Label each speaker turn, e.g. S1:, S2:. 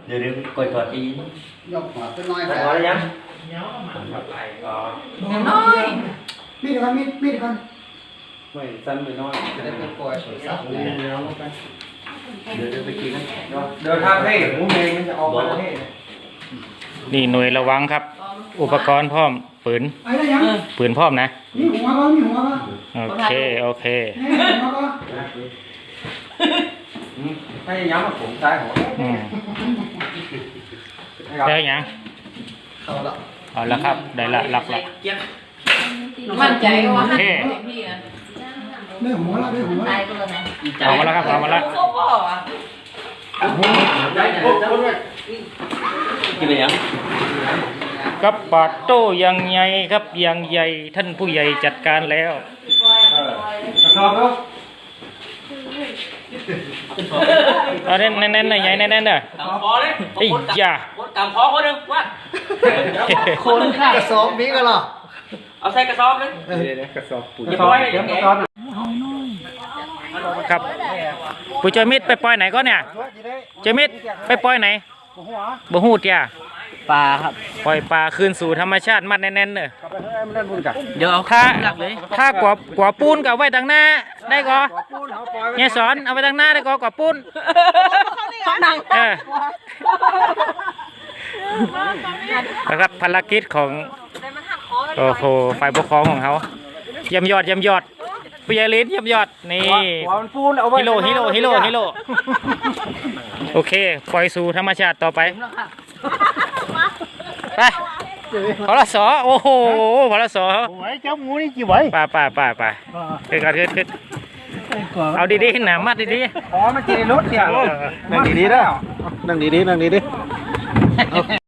S1: เดี๋ยวกดตัวที
S2: ยกหัวขึ้นน้อย
S1: พอแล้วยัง
S3: น้อย
S2: มีดก่อนมีดก่อน
S1: ไม่สั้นไปน้อย
S2: จะได้เป็นปล่อยสวยสักเลย
S1: เดี๋ยวไปกินนะ
S4: เดี๋ยวทำให้หมูเมงมันจะออกมาให้
S5: นี่หน่วยระวังครับ อุปกรณ์พร้อมปืน
S2: ไอ้ได้ยัง
S5: ปืนพร้อมนะ
S2: มีหัวป่ะมีหัวป่ะ
S5: โอเคโอเค
S2: นี่หัวป่ะ
S4: ให้ย้ำว่าผมซ้ายหัว
S5: อืมได้ยัง
S2: เข้าละ
S5: เอาละครับได้ละหลักละ
S3: มั่นใจว่า
S5: โอเค
S3: พี่อ่ะ
S2: ได้หัวละได้หัว
S3: ตายก็แล้วนะ
S5: เอามาแล้วครับเอามาแล้ว
S3: เขาบอกอ่ะ
S1: กินอะไรยัง
S5: กับปาโต้ยังใหญ่ครับยังใหญ่ท่านผู้ใหญ่จัดการแล้ว
S4: กระสอบเนาะ
S5: เอาเน้นเน้นๆหน่อยใหญ่เน้นๆเด้อ
S1: ตามคอเลย
S5: ไอ้ยา
S1: ตามคอคนหนึ่งวัด
S2: คนข้ากระสอบมีกันหรอ
S1: เอาใส่กระสอบเลย
S4: กระสอบปุ๋ย
S1: อย่าปล่อยให้
S4: เดี๋
S1: เดี๋
S4: ย
S1: ยว ว
S4: ก
S1: แก
S4: ระสอบ
S5: ครับปุยเจอมิดไปปล่อยไหนก็เนี่ยเจอมิดไปปล่อยไหนบ่ฮู้เตีย
S1: ปลาครับ
S5: ปล่อยปลาคืนสู่ธรรมชาติมัดแน่นๆเด้อ
S4: กลับไปให้มันเล่นบุญกัน
S1: เดี๋ยวเอา
S5: ถ้า
S1: หลักเลย
S5: ถ้ากว่าปูนกับไว้ทางหน้าได้ก็
S4: ปูนเขาปล่อย
S5: เนี่ยสอนเอาไว้ทางหน้าได้ก็กว่าปูน
S3: นั่ง
S5: เออนะครับภารกิจของโอ้โหฝ่ายปกครองของเขาเยี่ยมยอดปิยลิศเยี่ยมยอดนี่
S4: หัวมันปูนเอาไว้
S5: ฮิโร่โอเคปล่อยสู่ธรรมชาติต่อไปไปพลสโอ้โหพลส
S4: ไว้เจ้าหมูนี่กี่ไว้
S5: ไปขึ้นเอาดีๆหนามัดดี
S4: อ๋อมันกินในรถเนี่ยนั่งดีๆได้นั่งดีๆ